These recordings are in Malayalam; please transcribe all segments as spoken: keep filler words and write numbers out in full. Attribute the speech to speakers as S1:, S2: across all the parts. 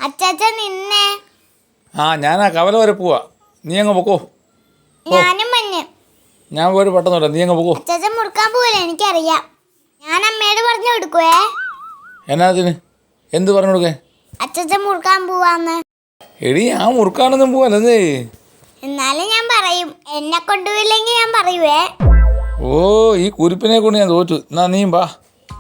S1: അച്ചാച്ച നിന്നെ.
S2: ആ ഞാനാ കവല വരെ പോവാ, നീ അങ്ങ് പൊക്കോ.
S1: ഞാനും മഞ്ഞ്.
S2: ഞാൻ പോയിട്ട് പെട്ടെന്നില്ല, നീ അങ്ങ് പൊക്കോ.
S1: അച്ചാച്ച മുറുക്കാൻ പോവില്ല, എനിക്കറിയാം. ഞാൻ അമ്മയോട് പറഞ്ഞു കൊടുക്കുവേ.
S2: എന്നാത്തിന്? എന്ത് പറഞ്ഞു കൊടുക്കേ?
S1: അച്ചാച്ച മുറുക്കാൻ പോവാന്ന്.
S2: എടി ഞാൻ മുറുക്കാനൊന്നും പോവല്ലേ.
S1: എന്നാലും ഞാൻ പറയും, എന്നെ കൊണ്ടുപോയില്ലെങ്കിൽ ഞാൻ പറയുവേ.
S2: ഓ ഈ കുരിപ്പിനെ കൊണ്ട് ഞാൻ തോറ്റു. എന്നാ നീയും വാ.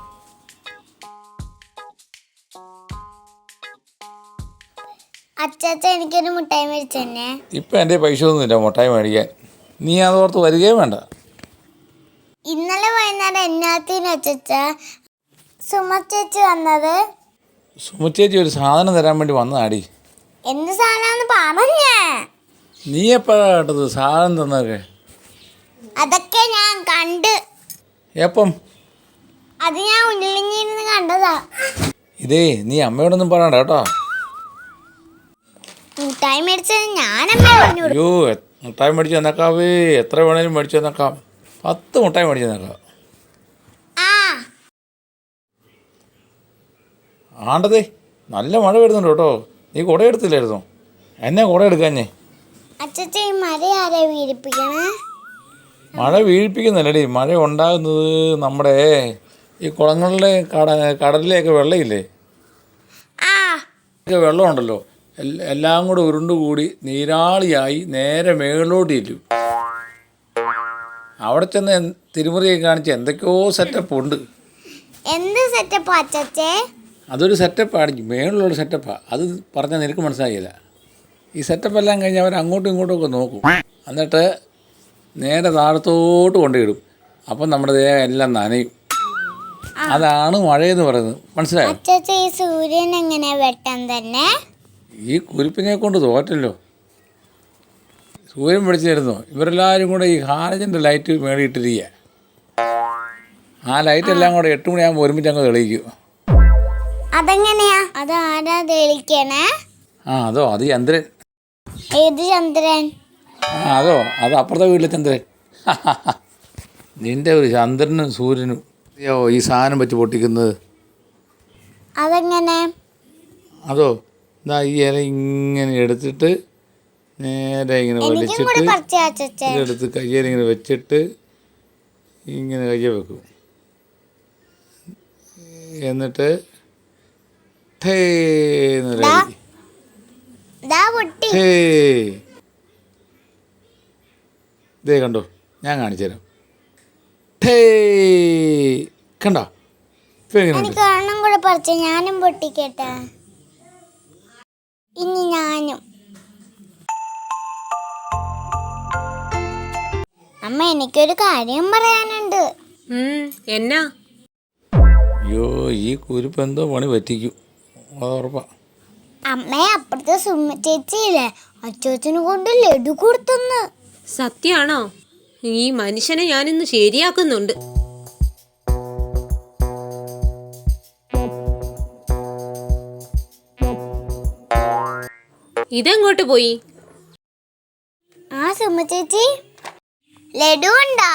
S1: അച്ചാച്ച എനിക്കൊരു മുട്ടായി മേടിച്ചെന്നെ.
S2: ഇപ്പം എൻ്റെ പൈസ ഒന്നുമില്ല മുട്ടായി മേടിക്കാൻ, നീ അതോർത്ത് വരികയും വേണ്ട.
S1: ഇന്നലെ വൈകുന്നേരം എന്നാത്തിന് അച്ചാച്ച സുമ ചേച്ചി വന്നത്?
S2: സുമ ചേച്ചി ഒരു സാധനം തരാൻ വേണ്ടി വന്നതാടി.
S1: എന്ത് സാധനമാണെന്ന് പറഞ്ഞേ.
S2: നീ എപ്പോഴാ കേട്ടത് സാധനം തന്നൊക്കെ?
S1: അതൊക്കെ ഞാൻ കണ്ട്.
S2: എപ്പം?
S1: അത് ഞാൻ ഉള്ളിലിഞ്ഞിരുന്ന് കണ്ടതാ.
S2: ഇതേ നീ അമ്മയോടൊന്നും പറയണ്ട കേട്ടോ.
S1: മുട്ടായി മേടിച്ചത് ഞാൻ അമ്മയെ പറഞ്ഞു.
S2: അയ്യോ മുട്ടായി മേടിച്ച് തന്നേക്കാവേ, എത്ര വേണേലും മേടിച്ച് തന്നേക്കാം. പത്ത് മുട്ടായി മേടിച്ച് തന്നേക്കാം. ആണ്ടതേ നല്ല മഴ വരുന്നുണ്ട് കേട്ടോ. നീ കുട എടുത്തില്ലായിരുന്നോ? എന്നെ കുട എടുക്കാഞ്ഞേ?
S1: അച്ഛച്ച ഈ മഴ ആരാ വീഴിപ്പിക്കണേ?
S2: മഴ വീഴിപ്പിക്കുന്നില്ലടി, മഴ ഉണ്ടാകുന്നത് നമ്മുടെ ഈ കുളങ്ങളിലെ കട കടലിലെയൊക്കെ വെള്ളമില്ലേ, ഒക്കെ വെള്ളമുണ്ടല്ലോ, എല്ലാം കൂടെ ഉരുണ്ടുകൂടി നീരാളിയായി നേരെ മേളിലോട്ട് ഇല്ലു. അവിടെ ചെന്ന് തിരുമുറിയൊക്കെ കാണിച്ച് എന്തൊക്കെയോ സെറ്റപ്പ് ഉണ്ട്.
S1: എന്ത് സെറ്റപ്പാ അച്ഛച്ചേ?
S2: അതൊരു സെറ്റപ്പാണ്, മേളിലുള്ള സെറ്റപ്പാണ്. അത് പറഞ്ഞാൽ നിനക്ക് മനസ്സിലായില്ല. ഈ സെറ്റപ്പ് എല്ലാം കഴിഞ്ഞ് അവർ അങ്ങോട്ടും ഇങ്ങോട്ടും ഒക്കെ നോക്കും, എന്നിട്ട് നേരെ താഴത്തോട്ട് കൊണ്ടുവിടും. അപ്പം നമ്മുടെ ദേഹം എല്ലാം നനയും. അതാണ് മഴയെന്ന് പറയുന്നത്, മനസ്സിലായോ?
S1: അച്ഛച്ച ഈ സൂര്യൻ എങ്ങനെ വെട്ടം തന്നെ?
S2: ഈ കുരിപ്പിനെ കൊണ്ട് തോറ്റല്ലോ. സൂര്യൻ പിടിച്ചിരുന്നോ? ഇവരെല്ലാവരും കൂടെ ഈ ഹാലജൻ്റെ ലൈറ്റ് മേടിയിട്ടിരിക്കുക. ആ ലൈറ്റ് എല്ലാം കൂടെ എട്ട് മണിയാകുമ്പോൾ ഒരുമിച്ച് അങ്ങ് തെളിയിക്കും.
S1: അതെങ്ങനെയാ? അത് ആരാ തെളിക്കണേ?
S2: ആ അതോ അത് ചന്ദ്രൻ.
S1: ഏത് ചന്ദ്രൻ?
S2: ആ അതോ അത് അപ്പുറത്തെ വീട്ടിലെ ചന്ദ്രൻ. നിൻ്റെ ഒരു ചന്ദ്രനും സൂര്യനും അയ്യോ ഈ സാധനം വെച്ച് പൊട്ടിക്കുന്നത്.
S1: അതെങ്ങനെ?
S2: അതോ ഇതാ ഈ ഇല ഇങ്ങനെ എടുത്തിട്ട് നേരെ ഇങ്ങനെ വലിച്ചിട്ട് ഇതെടുത്ത് കയ്യിൽ ഇങ്ങനെ വെച്ചിട്ട് ഇങ്ങനെ കയ്യെ വെക്കും. എന്നിട്ട് ടേ ഇതേ കണ്ടോ, ഞാൻ കാണിച്ചു തരാം. ടേ കണ്ടോ?
S1: ഒരെണ്ണം കൂടെ പറിച്ച ഞാനും പൊട്ടിക്കട്ടെ. ഇനി ഞാനും. അമ്മ എനിക്കൊരു കാര്യം പറയാനുണ്ട്.
S3: എന്നാ?
S2: അയ്യോ ഈ കുരിപ്പ് എന്തോ പണി പറ്റിക്കും, അത് ഉറപ്പാ.
S1: അമ്മയെ അപ്പുറത്തെ സുമ ചേച്ചിയില്ലേ, അച്ചോച്ചന് കൊണ്ട് ലഡു കൊടുത്തെന്ന്.
S3: സത്യാണോ? ഈ മനുഷ്യനെ ഞാനിന്ന് ശരിയാക്കുന്നുണ്ട്. ഇതെങ്ങോട്ട് പോയി?
S1: ആ സുമ ചേച്ചി ലഡു ഉണ്ടോ?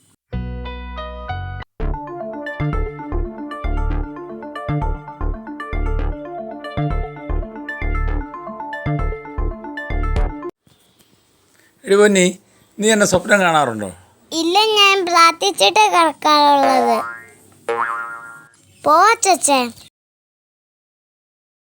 S2: എടി പൊന്നി, നീ എന്നെ സ്വപ്നം കാണാറുണ്ടോ?
S1: ഇല്ല, ഞാൻ പ്രാർത്ഥിച്ചിട്ട് കിടക്കാറുള്ളത്. പോ അച്ചച്ചേ.